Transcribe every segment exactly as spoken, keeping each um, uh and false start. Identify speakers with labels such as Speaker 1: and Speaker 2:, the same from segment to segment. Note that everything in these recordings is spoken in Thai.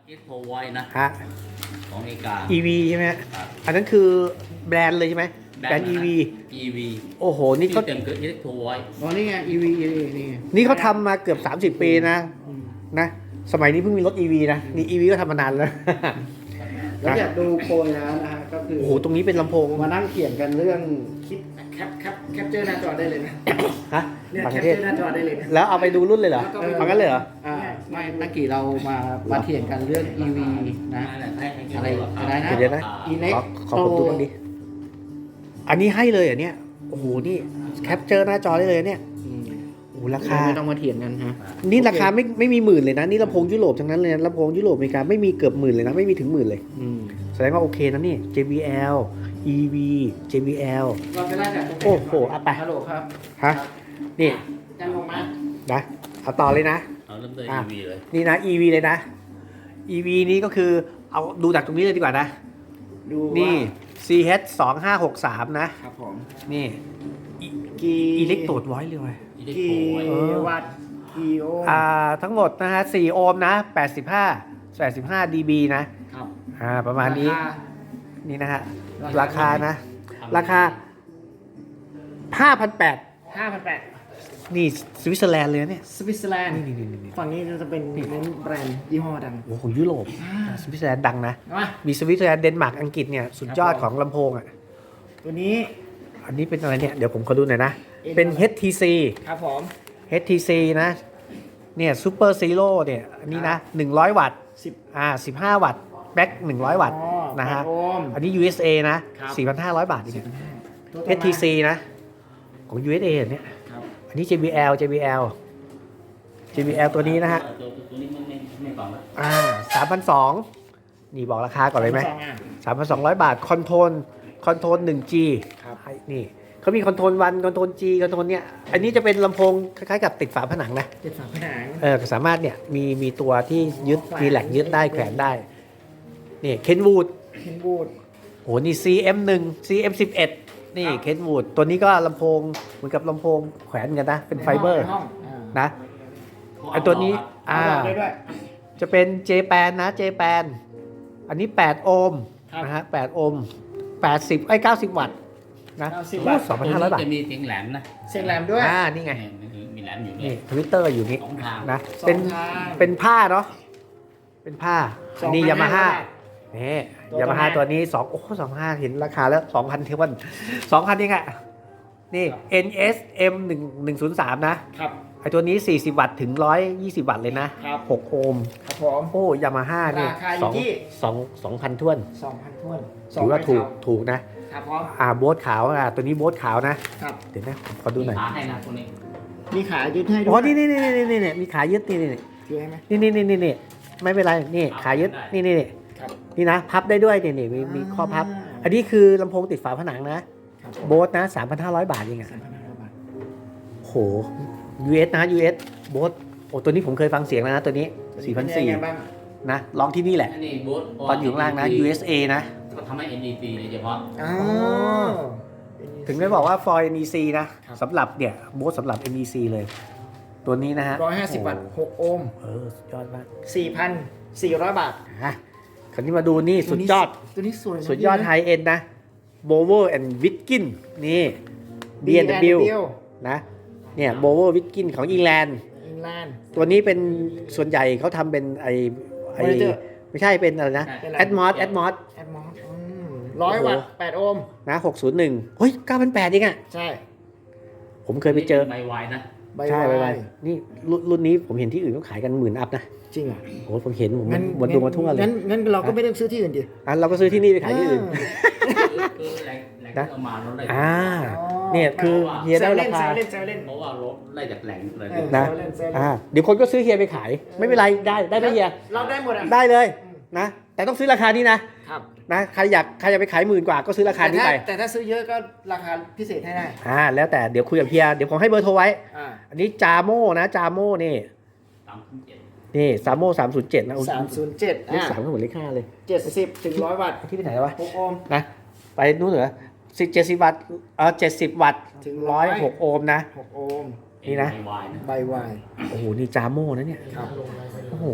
Speaker 1: เอ็กโ o ไว้นะ
Speaker 2: ฮะ
Speaker 1: ของอเมริกา
Speaker 2: อี วี ใช่ไหมฮะ
Speaker 1: ครับ
Speaker 2: อันนั้นคือแบรนด์เลยใช่ไหมแบรนด์ อี วี
Speaker 1: อี วี
Speaker 2: โอ้โหนี่
Speaker 1: ที่
Speaker 2: เขา
Speaker 1: เต็มคือเอ็กโ o ไว้
Speaker 3: อ๋อนี่ไง อี วี นี่
Speaker 2: นี่เขาทำมาเกือบสามสิบปีนะ
Speaker 3: อืม
Speaker 2: นะสมัยนี้เพิ่งมีรถ อี วี นะนี่ อี วี ก็ทำมานานแล้ว
Speaker 3: แล้วอยากดูโพยแล้วนะฮะก็คือ
Speaker 2: โอ้โหตรงนี้เป็นลำโพง
Speaker 3: มานั่งเขียนกันเรื่องคิดแคปแคปแคปเจอร์หน้าจอได้เลยนะ
Speaker 2: ฮะ
Speaker 3: เนี่ย
Speaker 2: ต่าง
Speaker 3: แค
Speaker 2: ป
Speaker 3: ประ
Speaker 2: เท
Speaker 3: เจ
Speaker 2: ศ
Speaker 3: อร์หน้าจอได้เลยนะ
Speaker 2: แล้วเอาไปดูรุ่นเลยเหรอ
Speaker 3: แล้วก็ไปดู
Speaker 2: เอางั้นเลยเหรอ
Speaker 3: อ่าไม่ตะกี้เรามามาเถียงกันเรื่อง อี วี นะ อะไรอะไรนะ
Speaker 2: เดี๋ยวนะ
Speaker 3: อีเน็ก
Speaker 2: ขอขอผมดูบ้างดิอันนี้ให้เลยเหรอเนี่ยโอ้โหนี่แคปเจอร์หน้าจอได้เลยเนี่ย
Speaker 3: อืม
Speaker 2: โอ้โหราคา
Speaker 3: ไม่ต้องมาเถียงกันฮะ
Speaker 2: นี่ราคาไม่ไม่มีหมื่นเลยนะนี่ลำโพงยุโรปทั้งนั้นเลยนะลำโพงยุโรปอเมริกาไม่มีเกือบหมื่นเลยนะไม่มีถึงหมื่นเลย
Speaker 3: อืม
Speaker 2: แสดงว่าโอเคนะนี่ เจ บี แอล อี วี เจ บี แอล
Speaker 3: เราจะไล่จากตรงไหน
Speaker 2: โอ้โหเอาไป
Speaker 3: ฮัลโหลครับ
Speaker 2: ฮะนี่
Speaker 3: จันลงมา
Speaker 2: นะเอาต่อเลยนะ
Speaker 1: เอาเริ่มด้วย
Speaker 2: อ่ะ
Speaker 1: อี วี เลย
Speaker 2: นี่นะ อี วี เลยนะ อี วี นี้ก็คือเอาดูจากตรงนี้เลยดีกว่านะ
Speaker 3: ดู
Speaker 2: นี่
Speaker 3: ว่า
Speaker 2: ซี เอช สองห้าหกสาม นะ
Speaker 3: ครับผม
Speaker 2: นี่
Speaker 3: กี่
Speaker 2: อิเล็กโตดไว้เลยว่ะ
Speaker 1: อีเล็ก
Speaker 3: กี่
Speaker 1: โ o ไว้
Speaker 2: เออ
Speaker 3: วัตต์กี่โอห์ม
Speaker 2: อ่าทั้งหมดนะฮะสี่โอห์มนะแปดสิบห้า แปดสิบห้า ดี บี นะครับ อ่าประมาณนี้
Speaker 3: รค
Speaker 2: นี่นะฮะ
Speaker 3: รา
Speaker 2: รา
Speaker 3: คา
Speaker 2: คานะ ราคา ห้าพันแปดร้อย
Speaker 3: ห้าพันแปด
Speaker 2: นี่สวิตเซอร์แลนด์เลยนะเนี่ย
Speaker 3: สวิตเซอร์แลนด์
Speaker 2: นี่นี่นี่นี่
Speaker 3: ฝั่งนี้จะเป็นเน้นแบรนด์ยี่ห้อดัง
Speaker 2: โอ้โหของยุโรปสวิตเซอร์แลนด์ดังนะ
Speaker 3: มา
Speaker 2: มีสวิตเซอร์แลนด์เดนมาร์กอังกฤษเนี่ยสุดยอด
Speaker 3: ครับผม
Speaker 2: ของลำโพงอ่ะ
Speaker 3: ตัวนี้
Speaker 2: อันนี้เป็นอะไรเนี่ย เดี๋ยวผมขอดูหน่อยนะ
Speaker 3: เอ็น
Speaker 2: เป็น
Speaker 3: อะไร
Speaker 2: เอช ที ซี
Speaker 3: ครับผม
Speaker 2: เอช ที ซี นะ เนี่ยซูเปอร์ซีโร่เนี่ย อันนี้นะหนึ่งร้อยวัตต์
Speaker 3: สิบ
Speaker 2: อ่าสิบห้าวัตต์แบ็คหนึ่งร้อยวัตต์
Speaker 3: อ๋อ
Speaker 2: นะฮะ
Speaker 3: แปดโอห์ม
Speaker 2: อันนี้ ยู เอส เอ นะ
Speaker 3: ครับ
Speaker 2: สี่พันห้าร้อย บาทนี่
Speaker 3: ตัวต่อมา
Speaker 2: เอช ที ซี นะ ของ ยู เอส เอ เนี่ย
Speaker 3: ครับ
Speaker 2: อันนี้ เจ บี แอล เจ บี แอล เจ บี แอล ตัวนี้นะฮะ
Speaker 1: ตัวตัวนี้ไม่ไม่ไม่ฟังแล้ว
Speaker 2: อ่าสามพันสองนี่บอกราคาก่อนเลยไหม
Speaker 3: สองอ่ะ
Speaker 2: สามพันสองร้อยบาท คอนโทรล คอนโทรลหนึ่ง จี
Speaker 3: ครับ
Speaker 2: นี่เขามีคอนโทรลวันคอนโทรล G คอนโทรลเนี่ย อันนี้จะเป็นลำโพงคล้ายๆกับติดฝาผนังนะ
Speaker 3: เจ็ดฝาผนัง
Speaker 2: เออสามารถเนี่ยมีมีตัวที่ยึด
Speaker 3: แขวน
Speaker 2: มีแหลกยึดได้แขวนได้ นี่เคนวูด
Speaker 3: เคนบูด
Speaker 2: โหนี่ ซี เอ็ม หนึ่ง ซี เอ็ม สิบเอ็ด นี่
Speaker 3: ครับ
Speaker 2: เคนวูดตัวนี้ก็ลำโพงเหมือนกับลำโพงแขวนกันนะ เป็นไฟเบอร์
Speaker 3: ในห้องอ่า
Speaker 2: นะไอตัวนี้
Speaker 3: อ่า
Speaker 2: อ่า
Speaker 3: ได้ด้วย
Speaker 2: จะเป็นเจแปนนะเจแปนอันนี้แปดโอห์ม
Speaker 3: ครับ
Speaker 2: นะฮะแปดโอห์มแปดสิบไอ้เก้าสิบวัตต์นะ
Speaker 3: เก้าสิบ
Speaker 2: โอ้
Speaker 3: วัตต์
Speaker 2: สองพัน
Speaker 1: ตัว
Speaker 2: ห้าร้อย
Speaker 1: นี้
Speaker 2: บาท
Speaker 1: จะมีเสียงแหลมนะ
Speaker 3: เสียงแหลมด้วย
Speaker 2: อ่านี่ไง
Speaker 1: นี่คือมีแหลมอยู่เนี่
Speaker 2: นี่
Speaker 1: ย
Speaker 2: ทวิตเตอร์อยู่นี่
Speaker 1: สองทาง
Speaker 2: นะ
Speaker 3: สอง
Speaker 2: เป็น
Speaker 3: ทาง
Speaker 2: เป็นผ้าเนาะเป็นผ้า
Speaker 3: สองพัน
Speaker 2: นี่ยามาฮ่า
Speaker 3: ห้าร้อย
Speaker 2: นี่
Speaker 3: ตัวย
Speaker 2: ามาฮ่า
Speaker 3: ตัวแม่
Speaker 2: ตัวนี้สองโอ้สองห้าเห็นราคาแล้วสองพันเทวันสองพันเองอะนี่ เอ็น เอส เอ็ม หนึ่ง หนึ่งศูนย์สามนะครับ ไอตัวนี้สี่สิบวัตต์ถึงหนึ่งร้อยยี่สิบวัตต์เลยนะครับ หกโอห์ม
Speaker 3: ครับผม
Speaker 2: โอ้ยามาฮ่านี่
Speaker 3: ราคาอยู่
Speaker 2: สอง
Speaker 3: ที่
Speaker 2: สองสองพันท้วน
Speaker 3: สองพันท้วน
Speaker 2: ถือว่าถูก
Speaker 3: สองใบ
Speaker 2: ถูกนะ
Speaker 3: ขาวครับพร้อม
Speaker 2: อ่าโบ๊ทขาวอ่ะตัวนี้โบ๊ทขาวนะครับ เดี๋ยวนะผมขอดูหน่อย
Speaker 1: ขาให้นะตัวนี้
Speaker 3: มีขายึดให้ด้วย
Speaker 2: อ๋อนี่นี่นี่นี่นี่นี่มีขายึดนี่นี่
Speaker 3: ช่วยให้ไหม
Speaker 2: นี่นี่นี่นี่นี่ไม่เป็นไรนี่ขายึดนี่นี่นี่
Speaker 3: ครับ
Speaker 2: นี่นะพับได้ด้วยนี่นี่มีมีข้อพับ
Speaker 3: อ่า
Speaker 2: อันนี้คือลำโพงติดฝาผนังนะครับ โบ๊ทนะสามพันห้าร้อยบาทเองอ่ะ
Speaker 3: สามพันห้าร้อยบาท
Speaker 2: โห ยู เอส นะ ยู เอส โบ๊ทโอ้ตัวนี้ผมเคยฟังเสียงแล้วนะตัวนี้สี่พันสี่
Speaker 3: เป็ยังไงบ้าง
Speaker 2: นะลองที่นี่แหละ
Speaker 1: อันนี้บูท
Speaker 2: ตอนอยู่ข้างล่างนะ ยู เอส เอ นะ
Speaker 1: ก็ทำให้ เอ็น ดี ซี โดยเฉพาะ
Speaker 3: อ๋อ
Speaker 2: ถึงได้บอกว่า for เอ็น อี ซี นะครับ สำหรับเนี่ยโบ๊ทสำหรับ เอ็น อี ซี เลย ตัวนี้นะฮะ
Speaker 3: ร้อยห้าสิบวัตต์หกโอห์ม
Speaker 2: เออสุดยอดมาก
Speaker 3: สี่พันสี่ร้อยบาท
Speaker 2: อ่ะคราวนี้มาดูนี่สุดยอด
Speaker 3: ตัวนี้สวยนะ
Speaker 2: สุดยอดไฮเอ็นนะ b o w e r and Witkin นี่ บี เอ็น ดับเบิลยู นะเนี่ย b o w e r Witkin ของอิงแลนด์
Speaker 3: อิงแลนด์
Speaker 2: ตัวนี้เป็นส่วนใหญ่เขาทำเป็นไอไอ
Speaker 3: Monitor
Speaker 2: ไม่ใช่เป็นอะไรนะ
Speaker 3: เป็นอะไร
Speaker 2: Atmos Atmos
Speaker 3: แอดมอสร้อยวัตต์แปดโอห์ม
Speaker 2: นะหกศูนย์หนึ่งเฮ้ยเก้าพันแปดเองอ่ะ
Speaker 3: ใช่
Speaker 2: ผมเคยไปเจอ
Speaker 1: ใบวายนะ
Speaker 3: ใบ
Speaker 2: ใช่ไป
Speaker 3: วา
Speaker 2: ไป
Speaker 3: ย
Speaker 2: นี่รุ่นรุ่นนี้ผมเห็นที่อื่นเขาขายกันหมื่นอัพนะ
Speaker 3: จริงเหรอ
Speaker 2: โอ้ผมเห็นผม
Speaker 3: งั้น
Speaker 2: วันดูมาทั่วเลย
Speaker 3: งั้นงั้นเราก็ไม่ต้องซื้อที่อื่นดิ
Speaker 2: อ่ะเราก็ซื้อที่นี่ไปขายที่อื่น
Speaker 1: คือแหล่งแหล่งที่เอามาเราได้
Speaker 2: อ่า เนี่ยคือเฮียได้
Speaker 3: แซว
Speaker 2: รา
Speaker 3: เล่น
Speaker 2: คา
Speaker 3: แซวเล่นแซวเล่น
Speaker 1: เพราะว่ารถได้จากแหล่งเลย
Speaker 3: เออ
Speaker 2: นะ
Speaker 3: แซวเล่นแซวเล่น
Speaker 2: อ่าเดี๋ยวคนก็ซื้อเฮียไปขาย ไม่เป็นไรได้ได้ไหมเฮีย
Speaker 3: เราได้หมดอ่ะ
Speaker 2: ได้เลย
Speaker 3: อืม
Speaker 2: นะ แต่ต้องซื้อราคานี้นะครับ นะใครอยากใครอยากไปขายหมื่นกว่าก็ซื้อราคา
Speaker 3: แต่
Speaker 2: นี้
Speaker 3: ถ้า
Speaker 2: ไป
Speaker 3: แต่ถ้าซื้อเยอะก็ราคาพิเศษให้ได้
Speaker 2: อ่าแล้วแต่เดี๋ยวคุยกับเฮียเดี๋ยวผมให้เบอร์โทรไว้
Speaker 3: อ่า
Speaker 2: อันนี้จาโม่นะจาโม่นี่
Speaker 1: สามพันเจ็ด
Speaker 2: นี่ซาโม่สามศูนย์เจ็ดนะโอ้
Speaker 3: สามศูนย์เจ็ด
Speaker 2: เลข
Speaker 3: อ่า
Speaker 2: สามก็เหมือนเลขห้าเลย
Speaker 3: เจ็ดสิบถึงร้อยวัตต์
Speaker 2: ที่ไปไหนแล้ววะ
Speaker 3: หกโอห์ม
Speaker 2: นะไปนู่นเหรอสิบเจ็ดสิบวัตต์เออเจ็ดสิบวัตต์
Speaker 3: ถึง
Speaker 2: ร้อยหกโอห์มนะ
Speaker 3: หกโอห์ม
Speaker 2: นี่นะ
Speaker 1: ใบวายนะ
Speaker 3: ใบวาย
Speaker 2: โอ้โหนี่จาโม่นะเนี่ย
Speaker 3: ครับ
Speaker 2: โอ้โห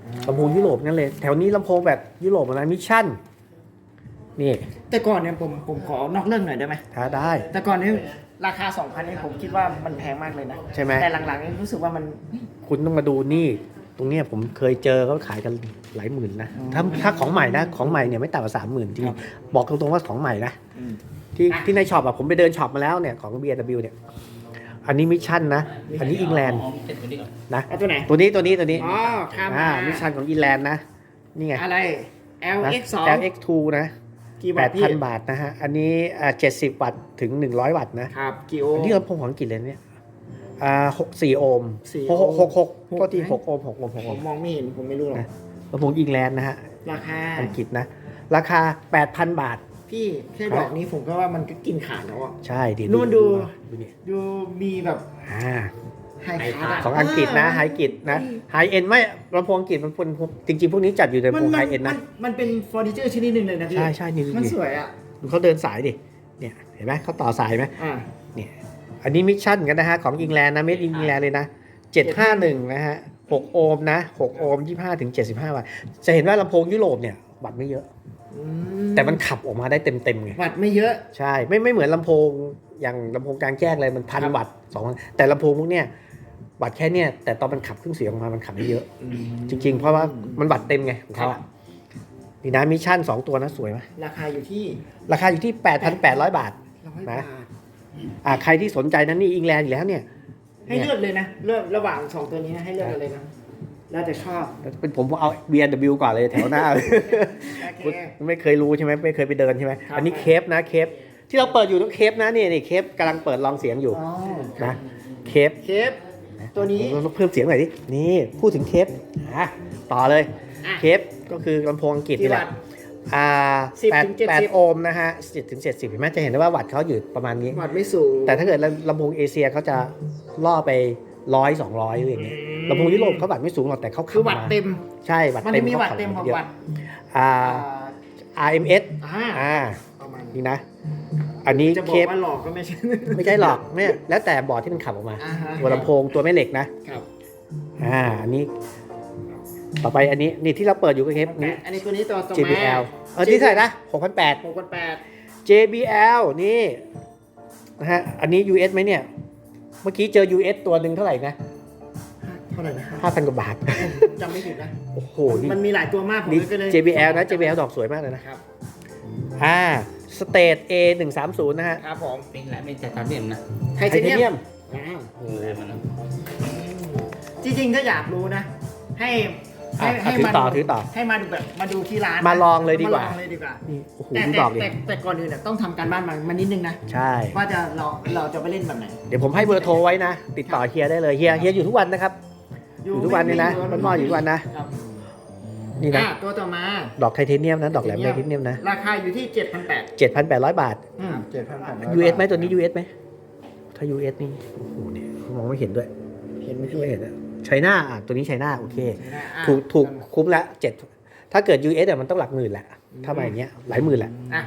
Speaker 2: ลำโพงยุโรปนั่นเลยแถวนี้ลำโพงแบบยุโรปอะไรมิชชั่นนี่
Speaker 3: แต่ก่อนเนี่ยผมผมขอนอกเรื่องหน่อยได้ไหม
Speaker 2: ถ้าได้
Speaker 3: แต่ก่อนนี้ราคา สองพัน นี่ผมคิดว่ามันแพงมากเลยนะ
Speaker 2: ใช่ไหม
Speaker 3: แต่หลังๆนี่รู้สึกว่ามัน
Speaker 2: คุณต้องมาดูนี่ ตรงเนี้ยผมเคยเจอเขาขายกันหลายหมื่นนะ
Speaker 3: อืม
Speaker 2: ถ้าถ้าของใหม่นะของใหม่เนี่ยไม่ต่ำกว่าสามหมื่นจริง
Speaker 3: ครับ
Speaker 2: บอกตรงๆว่าของใหม่นะ
Speaker 3: อืม
Speaker 2: ที่
Speaker 3: อ่ะ
Speaker 2: ที่ในช็อปอะผมไปเดินช็อปมาแล้วเนี่ยของ บี เอ็ม ดับเบิลยู เนี่ยอันนี้มิชชั่นนะ อันนี้อิงแลนด์
Speaker 1: เอาเจ็ดตัวนี้ก่อน
Speaker 2: นะ
Speaker 3: เอาตัวไหน
Speaker 2: ตัวนี้ตัวนี้ตัวนี้
Speaker 3: อ๋อข้าม
Speaker 2: อ่า
Speaker 3: มา
Speaker 2: มิชชั่นของอิงแลนด์นะนี่ไง
Speaker 3: อะไร แอล
Speaker 2: นะ
Speaker 3: เอ็กซ์ สอง
Speaker 2: แอล เอ็กซ์ ทู นะ
Speaker 3: กี่
Speaker 2: แป
Speaker 3: วัต
Speaker 2: ด
Speaker 3: ต์พี่
Speaker 2: พัน บาทนะฮะอันนี้อ่าเจ็ดสิบวัตต์ถึงหนึ่งร้อยวัตต์นะครับ
Speaker 3: กี่โอ
Speaker 2: อัน
Speaker 3: ห์ม
Speaker 2: นี้ลำโพงของอังกฤษเลยเนี่ยอ่าหกสี่โอห์ม
Speaker 3: สี่
Speaker 2: หกหกหกหก
Speaker 3: หก
Speaker 2: ก็ที่
Speaker 3: ไหม
Speaker 2: หกโอห์มหกโอห์มหก
Speaker 3: ผ
Speaker 2: โอห์
Speaker 3: ม
Speaker 2: ม
Speaker 3: มองไม่เห็นผมไม่รู้หรอก
Speaker 2: นะ ลำโพงอิงแลนด์นะฮะ
Speaker 3: ราคา
Speaker 2: อังกฤษนะ ราคา แปดพัน บาท
Speaker 3: พี่แค่ดอกนี้ผมก็ว่ามันก็กินขาดแล้วอ่ะ
Speaker 2: ใช่ดี
Speaker 3: นู่นดู
Speaker 2: ดูนี่
Speaker 3: ดูมีแบบ
Speaker 2: อ่า
Speaker 3: ไฮคาร์ด
Speaker 2: ของอังกฤษนะไฮกฤษนะไฮเอ็นไม่ลำโพงอังกฤษมันเป็นจริงๆ พวกนี้จัดอยู่ใน
Speaker 3: มั
Speaker 2: พวก
Speaker 3: มั
Speaker 2: ไฮเอ็น
Speaker 3: มั
Speaker 2: นะ
Speaker 3: มันเป็นเฟอร์นิเจอร์ชนิดหนึ่งเลยนะพี่
Speaker 2: ใช่ใช่นี่
Speaker 3: มัน
Speaker 2: นี่
Speaker 3: สวยอ่ะ
Speaker 2: ดูเขาเดินสายดิเนี่ยเห็นไหมเขาต่อสายไหม
Speaker 3: อ่า
Speaker 2: เนี่ยอันนี้มิชชั่นกันนะฮะของอิงแลนด์นะเมดอิงแลนด์เลยนะเจ็ดห้าหนึ่งนะฮะหกโอห์มนะหกโอห์มยี่สิบห้าถึงเจ็ดสิบห้าวัตต์จะเห็นว่าลำโพงยุโรปเนี่ยวัตต์ไม่เยอะ
Speaker 3: อื
Speaker 2: แต่มันขับออกมาได้เต็มๆไง
Speaker 3: วัตต์ไม่เยอะ
Speaker 2: ใช่ไม่ไม่เหมือนลำโพงอย่างลำโพงกลางแจ้งเลยมันพัน
Speaker 3: ครับ
Speaker 2: วัตต์สองพันแต่ลำโพงพวกเนี้ยวัตต์แค่เนี้ยแต่ตอนมันขับเครื่องเสียงออกมามันขับได้เยอะ จริงๆ เพราะว่ามันวัตต์เต็มไงของเขาอะนี่นะมิชชั่นสองตัวนะสวยไหม
Speaker 3: ราคาอยู่ที่
Speaker 2: ราคาอยู่ที่ แปดพันแปดร้อย บาท
Speaker 3: ร้อย
Speaker 2: นะ
Speaker 3: บาท
Speaker 2: อ่าใครที่สนใจนั้นนี่อิงแลนด์อยู่แล้วเนี่ย
Speaker 3: ให้เลือกเลยนะ เลือกระหว่างสองตัวนี้นะให้เลือกกันเลยนะ แล้วแต่ชอบ
Speaker 2: เป็นผมเอา บี เอ็ม ดับเบิลยู ก่อนเลยแถวหน้า
Speaker 3: โอเค
Speaker 2: คุณไม่เคยรู้ใช่ไหมไม่เคยไปเดินใช่ไหม
Speaker 3: ครับ
Speaker 2: อันนี้เคปนะเคปที่เราเปิดอยู่ต้องเคปนะนี่นี่เคปกำลังเปิดลองเสียงอยู่
Speaker 3: อ๋อ
Speaker 2: นะเคป
Speaker 3: เคฟตัวนี้
Speaker 2: เราเพิ่มเสียงหน่อยดินี่พูดถึงเคปอ่ะต่อเลย
Speaker 3: อ่ะ
Speaker 2: เคปก็คือลำโพงอังกฤษ
Speaker 3: กี่
Speaker 2: นี่แห
Speaker 3: วั
Speaker 2: ละ
Speaker 3: ตต์
Speaker 2: อ่า
Speaker 3: สิบ
Speaker 2: แปด
Speaker 3: ถึงเจ็ดสิบ
Speaker 2: แปดโอห์มนะฮะสิบถึงเจ็ดสิบเห็นไหมจะเห็นได้ว่าวัตต์เขาอยู่ประมาณนี้
Speaker 3: วัตต์ไม่สูง
Speaker 2: แต่ถ้าเกิดลำโพงเอเชียเขาจะล่อไปร้อยสองร้อยอะไรอย่างเงี้ย
Speaker 3: อืม
Speaker 2: ลำโพงยุโรปเขาวัตต์ไม่สูงหรอกแต่เขา
Speaker 3: คือวัตต์เต็ม
Speaker 2: ใช่วัตต์
Speaker 3: มัน
Speaker 2: เต็
Speaker 3: จะ
Speaker 2: ม
Speaker 3: มี
Speaker 2: เขา
Speaker 3: วัตต์เต็ม
Speaker 2: ขั
Speaker 3: กั
Speaker 2: บบ เยอะ
Speaker 3: วัตต์
Speaker 2: อ่า
Speaker 3: อ่า
Speaker 2: อาร์ เอ็ม เอส
Speaker 3: อ่า
Speaker 2: อ่า
Speaker 3: ประมาณนี้
Speaker 2: นี่นะ อันนี้
Speaker 3: จะบ
Speaker 2: เค
Speaker 3: อก
Speaker 2: ป
Speaker 3: ว่าหลอกก็ไม่ใช่
Speaker 2: ไม่ใช่หรอกเนี่ยแล้วแต่บอร์ดที่มันขับออกมา
Speaker 3: อ่าฮะ
Speaker 2: ตัวลำโพงตัวแม่เหล็กนะครับ อ่าอันนี้ ต่อไปอันนี้นี่ที่เราเปิดอยู่ก็เคปนี้
Speaker 3: อันนี้ตัวนี้ตัวตัว
Speaker 2: เจ บี แอล เออที่เท่าไหร่นะหกพันแปด
Speaker 3: หกพันแปด
Speaker 2: เจ บี แอล นี่นะฮะอันนี้ ยู เอส ไหมเนี่ย เมื่อกี้เจอ ยู เอส ตัวหนึ่งเท่าไหร่นะ
Speaker 3: เท่าไหร่นะ
Speaker 2: ห้าพันกว่าบาท
Speaker 3: จำไม่ผิดนะ
Speaker 2: โอ้โห นี่
Speaker 3: มันมีหลายตัวมากผม
Speaker 2: นี่
Speaker 3: ก็เลย
Speaker 2: เจ บี แอล นะ เจ บี แอล ดอกสวยมากเลยนะ
Speaker 3: ครับ
Speaker 2: อ่าสเตท เอ หนึ่งสามศูนย์ นะฮะ
Speaker 3: ครับผม
Speaker 1: เป็นแหละไม่ใช่ตอนเรียมนะ
Speaker 3: ไท
Speaker 2: ไท
Speaker 3: เท
Speaker 2: เท
Speaker 3: เนี
Speaker 2: เนี
Speaker 3: ย
Speaker 2: ย
Speaker 3: ม
Speaker 2: ม
Speaker 3: อ้าว
Speaker 1: โอ้มันนะ
Speaker 3: จริงๆถ้าอยากรู้นะ ให้ให้
Speaker 2: อ่ะ
Speaker 3: ให้
Speaker 2: ถือ
Speaker 3: มา
Speaker 2: ต่อถือต่อ
Speaker 3: ให้มาดูแบบมาดูที่ร้าน
Speaker 2: มาลองเลยดีกว่า
Speaker 3: มาลองเลยดีกว่า
Speaker 2: นี่โอ้โห
Speaker 3: แต่
Speaker 2: ดู
Speaker 3: แต่
Speaker 2: ดอกดิ
Speaker 3: แต่แต่ก่อนอื่นเนี่ยต้องทำการบ้านมามานิดนึงนะ
Speaker 2: ใช่
Speaker 3: ว่าจะเราเราจะไปเล่นแบบไหน
Speaker 2: เดี๋ยวผมให้เบอร์โทรไว้นะ ติดต่อเฮียได้เลยเฮียเฮียอยู่ทุกวันนะครับ อยู่ทุกวันเลยนะบ้านหม้ออยู่ทุกวันนะ
Speaker 3: ครับ
Speaker 2: นี่นะ
Speaker 3: อ่ะตัวต่อมา
Speaker 2: ดอกไทเทเนียมนะ ดอกแหลมไทเทเนียมนะ
Speaker 3: ราคาอยู่ที่เจ็ดพันแปด
Speaker 2: เจ็ดพันแปดร้อย บาท
Speaker 3: อืมเจ็ดพันแปด
Speaker 2: ยู เอส ไหมตัวนี้ ยู เอส ไหมถ้า ยู เอส นี่โอ้โหเนี่ยมองไม่เห็นด้วย
Speaker 3: เห็นไหมพี่
Speaker 2: ไม่เห็นอะไชน่าอ่ะตัวนี้ไชน่าโอเค
Speaker 3: อ่ะ
Speaker 2: ถูกถูกคุ้มละเจ็ดถ้าเกิด ยู เอส อ่ะมันต้องหลักหมื่นแหละ ถ้ามาอย่างเงี้ยหลายหมื่นแหละ
Speaker 3: อ่ะ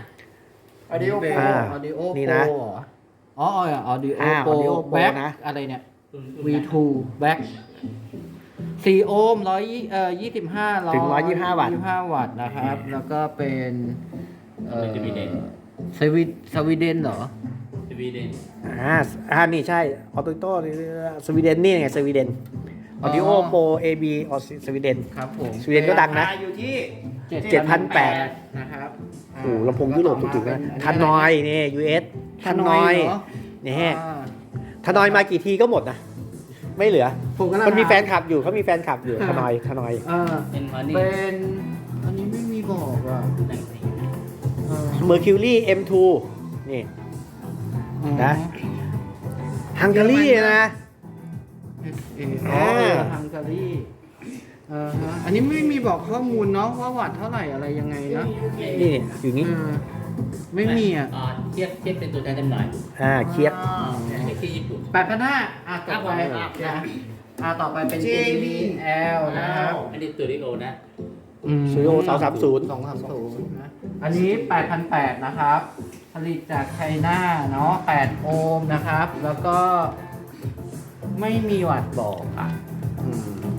Speaker 3: Audio Pro
Speaker 2: อ่า
Speaker 3: Audio
Speaker 2: นี่นะ
Speaker 3: Pro เหรออ๋ออ๋อ Audio
Speaker 2: อ่า
Speaker 3: Pro
Speaker 2: Audio Pro
Speaker 3: Back
Speaker 2: นะ
Speaker 3: อะไรเนี่ย วี ทู Back สี่โอห์มร้อยเอ่อยี่สิบห้า
Speaker 2: ถึงหนึ่งร้อยยี่สิบห้าวัตต์
Speaker 3: ยี่สิบห้าวัตต์นะครับ แล้วก็เป็นเอ่อ
Speaker 1: สวีเดน
Speaker 3: สวีสวีเดนเหรอ
Speaker 1: สวีเดน
Speaker 2: อ่าอ่านี่ใช่ออโตโต้สวีเดนนี่ไงสวีเดนอ
Speaker 3: อ๋
Speaker 2: อ
Speaker 3: อ
Speaker 2: ดิโอโปรเอบีออสวีเดน
Speaker 3: ครับผม
Speaker 2: สวีเดนก็ดังนะ
Speaker 3: ราคาอยู่ที่
Speaker 2: เจ็ดพันแปด
Speaker 3: นะครับ
Speaker 2: โอ้โหลำโพงยุโรปถูกๆนะทันนอยนี่ ยู เอส ทันนอย
Speaker 3: เหร
Speaker 2: นี่
Speaker 3: อ่า
Speaker 2: ทันนอยมากี่ทีก็หมดนะ ไม่เหลือ
Speaker 3: ผมกำลัง
Speaker 2: มันมีแฟนคลับอยู่เขามีแฟนคลับอยู่
Speaker 3: อ่า
Speaker 2: ทันนอยทันนอย
Speaker 3: อ่า
Speaker 1: เป็นวันนี้
Speaker 3: เป็นอันนี้ไม่มีบอกอ่ะ
Speaker 1: แต่งสี
Speaker 3: อ่า
Speaker 2: เมอร์คิวรี่ เอ็ม ทู นี่ นะ ฮังการีนะ
Speaker 3: เอออ๋อฮังการีอ่าฮะอันนี้ไม่มีบอกข้อมูลเนาะว่าวัตต์เท่าไหร่อะไรยังไงเนาะ
Speaker 2: นี่อยู่นี้
Speaker 3: เออไม่มีอ่ะ
Speaker 1: อ่าเทียบเทียบเป็นตัวแทนจำหน่าย
Speaker 2: อ่าเคียบ
Speaker 1: อันนี้คือญี่ปุ่น
Speaker 3: แปดพันห้าอ่ะต่อไป
Speaker 1: ครับ
Speaker 3: นะอ่ะต่อไปเป็น เจ บี แอล นะครับ
Speaker 1: อันนี้ตัวริโอนะ
Speaker 2: สตูดิโอสองสามศูนย์
Speaker 3: สองสามศูนย์นะอันนี้แปดพันแปดนะครับ ผลิตจากไชน่าเนาะแปดโอห์มนะครับ แล้วก็ไม่มีวัตต์บอกอ่ะอืม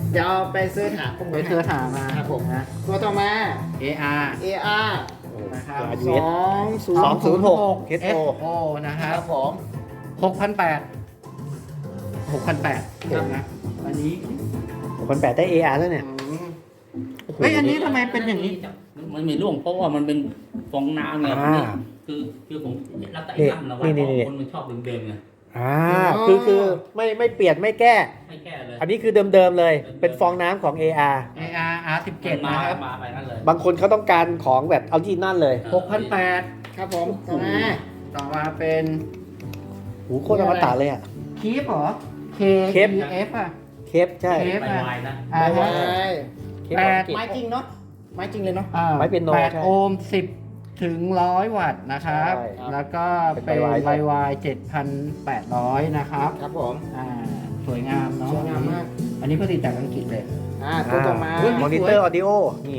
Speaker 4: เดี๋ยวไปซื้อหาข้อมู
Speaker 3: ไป
Speaker 4: ล
Speaker 3: เธอถามมา
Speaker 4: ครับผม
Speaker 3: นะ
Speaker 4: ตัวต่อมา
Speaker 3: เอ อาร์
Speaker 4: เอ อาร์
Speaker 3: นะครับ
Speaker 4: สองศูน
Speaker 2: สอง
Speaker 4: ย์
Speaker 2: ศูนย์หก
Speaker 3: เอส
Speaker 2: เอส
Speaker 3: โอนะค
Speaker 4: ค
Speaker 3: รั
Speaker 4: รั
Speaker 3: บบ
Speaker 4: ผม
Speaker 3: หกพันแปดหกพันแปดนะอันนี้
Speaker 2: คนแปดได้ เอ อาร์ แล้วเนี่ย
Speaker 3: อืมเฮ้ยอันนี้ทำไมเป็นอย่างนี้
Speaker 1: มันมีร่วงเพราะว่ามันเป็นฟองน้ำไง
Speaker 2: อ่า
Speaker 1: คือคือผมรับแต่ไอ้น้ำเราไว้
Speaker 2: นี่
Speaker 1: เพ
Speaker 2: นี่
Speaker 1: ราะคนมันชอบเดิมๆไง
Speaker 2: อ่าคือคือไม่ไม่เปลี่ยนไม่แก้
Speaker 1: ไม่แก้เลย
Speaker 2: อันนี้คือเดิมๆเลย เป็นฟองน้ำของ เอ อาร์
Speaker 3: เอ อาร์ อาร์ สิบเจ็ด
Speaker 1: มา
Speaker 3: นะครับ
Speaker 1: มาไปนั่นเลย
Speaker 2: บางคนเขาต้องการของแบบออริจินัลเลย
Speaker 3: หกพันแปด
Speaker 4: ครับผมต่อมา
Speaker 3: ต่อมาเป็น
Speaker 2: หูโคตรอมตะเลยอ่ะ
Speaker 3: คีฟเหรอ K
Speaker 2: เคฟ
Speaker 3: E F อ่ะ
Speaker 2: เคปใช่
Speaker 3: เคฟ
Speaker 1: ไป
Speaker 3: อ่ะ
Speaker 1: ไวนะ
Speaker 3: อ่า
Speaker 4: ไม้
Speaker 3: ฮะ
Speaker 2: เคปของอังกฤษ
Speaker 4: ไม้จริงเนาะไม้จริงเลยเนาะ
Speaker 3: อ่า
Speaker 2: ไม้เปียโน
Speaker 3: แปด
Speaker 2: ใช่
Speaker 3: โอห์มสิบถึงร้อยวัตต์นะครับ
Speaker 2: ใช่
Speaker 3: แล้วก็
Speaker 2: เป็น
Speaker 3: เป็น
Speaker 2: ไวไว
Speaker 3: ไวไวเจ็ดพันแปดร้อยนะครับ
Speaker 4: ครับผม
Speaker 3: อ่า สวยงามเนาะ
Speaker 4: สวยงามมาก
Speaker 3: อันนี้ผลิตจากอังกฤษเลย
Speaker 4: อ่าตัวต่อมา
Speaker 3: เฮ้ย
Speaker 2: มอนิเตอร์ออดิโอนี่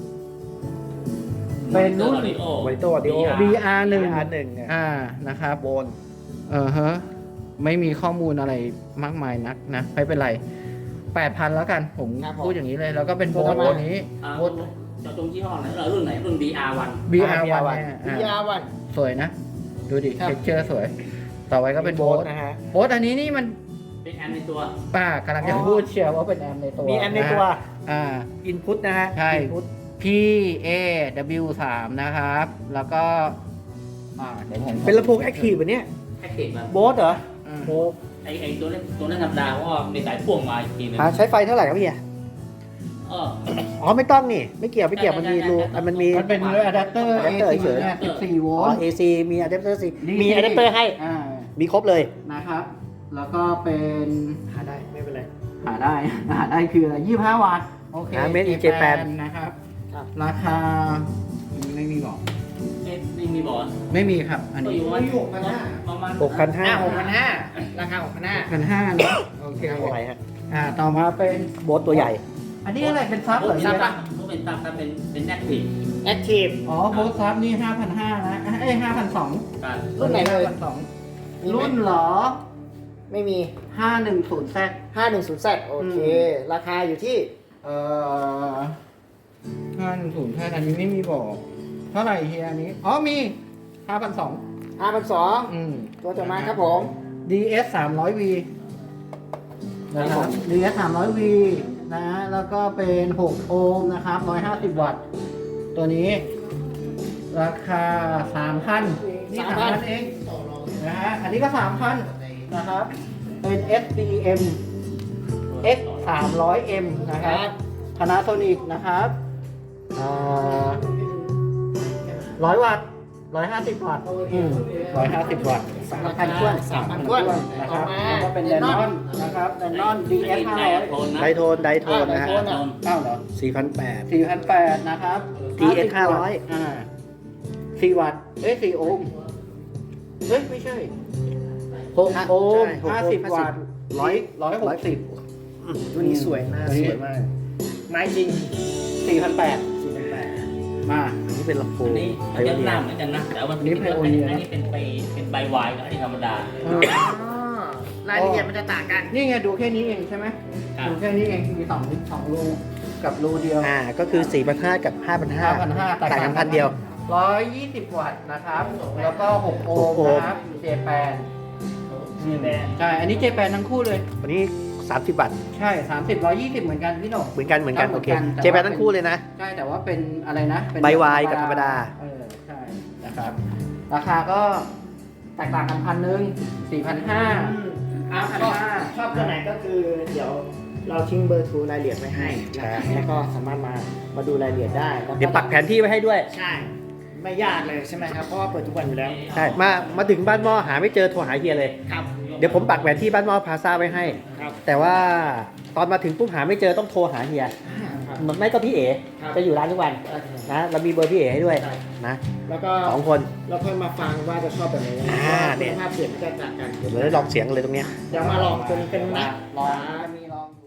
Speaker 3: เป็นรุ่น
Speaker 2: มอนิเตอร์ออดิโอ
Speaker 3: บี อาร์ หนึ่ง
Speaker 2: อาร์หนึ่งเนี่ย
Speaker 3: อ่า นะครับ
Speaker 2: โบน
Speaker 3: เออฮะ ไม่มีข้อมูลอะไรมากมายนักนะ ไม่เป็นไรแปดพันแล้วกัน ผม
Speaker 4: ครับผม
Speaker 3: พูดอย่างนี้เลย แล้วก็เป็นโบ
Speaker 4: ตัว
Speaker 3: น
Speaker 4: ต่อมา
Speaker 3: ตัวนี้
Speaker 1: อ่า
Speaker 3: โบน
Speaker 1: จะตรงยี่ห้อไหนเออรุ่นไหนรุ่น บี อาร์ วัน
Speaker 3: บี อาร์ วัน
Speaker 2: บี อาร์ วัน
Speaker 3: เนี่ย
Speaker 4: บี
Speaker 3: อ่า
Speaker 4: อาร์วัน
Speaker 3: สวยนะ ดูดิ
Speaker 4: ครับ
Speaker 3: เท็กเจอร์สวย ต่อไปก็เป็นโบส
Speaker 2: นะฮะ
Speaker 3: โบสอันนี้นี่มัน
Speaker 1: เป็นแอมในตัว
Speaker 3: ป้ากำลังจะ
Speaker 2: อ๋อ
Speaker 3: พูดเชียร์ว่าเป็นแอมในตัว
Speaker 2: มีแอมในตัว
Speaker 3: นะอ่า
Speaker 2: อินพุตนะฮะ
Speaker 3: ใช่
Speaker 2: input
Speaker 3: P A W สาม นะครับ แล้วก็ อ่า เดี๋ยวผม
Speaker 2: เป็นลำโพงแอคทีฟแบบเนี้ย
Speaker 1: แพ็กเกจมา
Speaker 2: โบสเหรอ
Speaker 3: อืม
Speaker 2: โอ้
Speaker 1: ไอไอตัวนั้นตัวนั้นธรรมดาเพราะว่ามีสายพ่วงมาอีกทีหนึง
Speaker 2: หาใช้ไฟเท่าไหร่ครับพี่อ่ะ
Speaker 1: เออ
Speaker 2: อ๋อไม่ต้องนี่ ไม่เกี่ยวไม่เกี่ยวมันมีรูอ่ะมันมี
Speaker 3: มันเป็นอะแดปเตอร์
Speaker 2: อะแดปเตอร์
Speaker 3: เอ
Speaker 2: เฉย
Speaker 3: สิบสี่โว
Speaker 2: อ๋อ
Speaker 3: ลต์
Speaker 2: เอ ซี มีอะแดปเตอร์ซี
Speaker 3: นี่
Speaker 2: มีอะแดปเตอร์ให้
Speaker 3: อ่า
Speaker 2: มีครบเลย
Speaker 3: นะครับ แล้วก็เป็น
Speaker 2: หาได้ไม่เป็นไร
Speaker 3: หาได้ หาได้คืออะไรยี่สิบห้าวัตต์ โอเค
Speaker 2: อ่า Made in Japan
Speaker 3: นะครับ
Speaker 4: ครับ
Speaker 3: ราคา ไม่มีบอก
Speaker 1: เอ๊ะนี่มีบอล
Speaker 3: ไม่มีครับ อัน
Speaker 1: ก็
Speaker 3: นี้
Speaker 1: อยู่ว่า
Speaker 4: หกพันห้า
Speaker 1: ประมาณ
Speaker 2: หกพันห้า
Speaker 4: อ่าหกพันห้าราคาหกพันห้า
Speaker 3: พันห้าเนอะโอเค
Speaker 2: อะไรฮะ
Speaker 3: อ่า ต่อมาเป็น
Speaker 2: โบสตัวใหญ่
Speaker 3: อันนี้อะไรเป็นซับเหรอ
Speaker 1: ซั
Speaker 3: เนี่ย
Speaker 1: บก็เป็นซับครับเป็นเป็นแอคทีฟ
Speaker 4: แอคทีฟ
Speaker 3: อ๋อโบสซับนี่ห้าพันห้านะ เอ้ยห้าพันสอง
Speaker 1: การ
Speaker 4: รุ่นไหนเลย
Speaker 3: ห้าพันสอง
Speaker 4: มีไหม
Speaker 3: รุ่นเหรอ
Speaker 4: ไม่มี
Speaker 3: ห้าหนึ่งศูนย์แซด
Speaker 4: ห้าหนึ่งศูนย์ Z โอเค ราคาอยู่ที่
Speaker 3: เอ่อห้าหนึ่งศูนย์แซดอันนี้ไม่มีบอก เท่าไหร่เฮียอันนี้ อ๋อมีห้าพันสอง
Speaker 4: ห้าพันสอง
Speaker 3: อืม
Speaker 4: ตัวต่อมาครับผม
Speaker 3: ดี เอส สามร้อยวี นะครับ ดี เอส สามร้อยวี นะ แล้วก็เป็นหกโอห์มนะครับหนึ่งร้อยห้าสิบวัตต์ ตัวนี้ ราคา สามพัน นี่
Speaker 4: สามพัน
Speaker 3: สามพันเอง นะฮะ อันนี้ก็ สามพัน นะครับ เป็น เอส ดี เอ็ม เอ็กซ์ สามร้อย เอ็ม นะครับ Panasonic นะครับอ่าร้อยวัตต์ร้อยห้าสิบวัตต์อืมร้อยห้าสิบวัตต์
Speaker 4: สามพันถ้วนสามพันถ้วน
Speaker 3: นะค
Speaker 4: ต่อ
Speaker 3: รับ
Speaker 4: มา
Speaker 3: แล้วก็เป็นแดนนอนนะครับแดนนอน ดี เอส ห้าร้อย
Speaker 2: ไดโทน ไดโทนนะฮะ
Speaker 4: ไดโทนอะ
Speaker 3: เก้าเหรอ
Speaker 2: สี่พันแปด
Speaker 3: สี่พันแปดนะครับ
Speaker 2: ดี เอส ห้าร้อย
Speaker 3: อ่าสี่วัตต์ เอ้ยสี่โอห์มเฮ้ย ไม่ใช่หกโอห์ม
Speaker 2: ใช่หกโอห์ม
Speaker 3: ห้าสิบวัตต์ร้อยร้อยหกสิบ
Speaker 4: ตัวนี้สวยหน้า
Speaker 3: ตัวนี้
Speaker 4: สวยมาก ไม้จริง
Speaker 3: สี่พันแปด
Speaker 4: สี่พันแปด
Speaker 3: มา
Speaker 2: อันนี้เป็นลำโพ
Speaker 1: อั
Speaker 2: ง
Speaker 1: นนี้
Speaker 2: ไพ
Speaker 1: มัน
Speaker 2: โอ
Speaker 1: จะ
Speaker 2: เนี
Speaker 1: ห
Speaker 2: ย
Speaker 1: น้าเหมือนกันนะแต่ว่า
Speaker 3: อันนี้ Pioneer
Speaker 1: อันนี้เป็นไปเป็นใบวายกับอันนี้ธรรมดา
Speaker 4: รายละเอียดมันจะต่างกัน
Speaker 3: นี่ไงดูแค่นี้เองใช่ไหม
Speaker 1: ครับ
Speaker 3: ดูแค่นี้เองมีสองสองรูกับรูเดียว
Speaker 2: อ่า ก็คือสี่พันห้ากับห้าพันห้า
Speaker 3: ห้าพันห้า
Speaker 2: ต่างกันพันเดียว
Speaker 3: ร้อยยี่สิบวัตต์นะครับ แล้วก็หกโอ
Speaker 2: หกโอ
Speaker 3: ห์
Speaker 2: ห์
Speaker 3: ม
Speaker 2: ม
Speaker 3: นะครับเจแปนใช่ อันนี้เจแปนทั้งคู่เลย
Speaker 2: วันนี้สามสิบบาท
Speaker 3: ใช่สามสิบร้อยยี่สิบเหมือนกันพี่หนุ่ม
Speaker 2: เหมือนกันเหมือนกัน
Speaker 3: ครับ
Speaker 2: โอเค
Speaker 3: เหมือนกัน
Speaker 2: เจแปนทั้งคู่เลยนะ
Speaker 3: ใช่แต่ว่าเป็นอะไรนะเป็น
Speaker 2: ใบวายกับธรรมดา
Speaker 3: เออใช่นะครับ ราคาก็แตกต่างกันพันหนึ่งสี่พันห้า
Speaker 4: อ่ะชอบชอบตัวไหนก็คือเดี๋ยวเราทิ้งเบอร์โทรรายละเอียดไว้ให้
Speaker 2: ใช่
Speaker 4: แล้วก็สามารถมามาดูรายละเอียดได้แล้ว
Speaker 2: เดี๋ยวปักแผนที่ไว้ให้ด้วย
Speaker 4: ใช่ ไม่ยากเลยใช่ไหมครับ เพราะว่าเปิดทุกวันอยู่แล้ว
Speaker 2: ใช่ มา มาถึงบ้านหม้อหาไม่เจอโทรหาเฮียเลย
Speaker 4: ครับ
Speaker 2: เดี๋ยวผมปักแผนที่บ้านหม้อพลาซ่าไว้ให้
Speaker 4: ครับ
Speaker 2: แต่ว่าตอนมาถึงปุ๊บหาไม่เจอต้องโทรหาเฮีย
Speaker 4: ครับ
Speaker 2: ไม่ก็พี่เอ๋
Speaker 4: ครับ
Speaker 2: จะอยู่ร้านทุกวันนะเรามีเบอร์พี่เอ๋ให้ด้วย
Speaker 4: ใช่
Speaker 2: นะ
Speaker 4: แล้วก็
Speaker 2: สองคน
Speaker 4: เราค่อยมาฟังว่าจะชอบแบบไหน
Speaker 2: อ่า
Speaker 4: เพ
Speaker 2: เนี่
Speaker 4: ราะ
Speaker 2: ย
Speaker 4: ว่าคุณภาพเสียงมันจะต่างกัน
Speaker 2: เดี๋ยวเราได้ลองเสียงเลยตรงเนี้ย
Speaker 4: เดี๋ยวมาลองตัวนี้กันนะ
Speaker 3: ลองมีลอง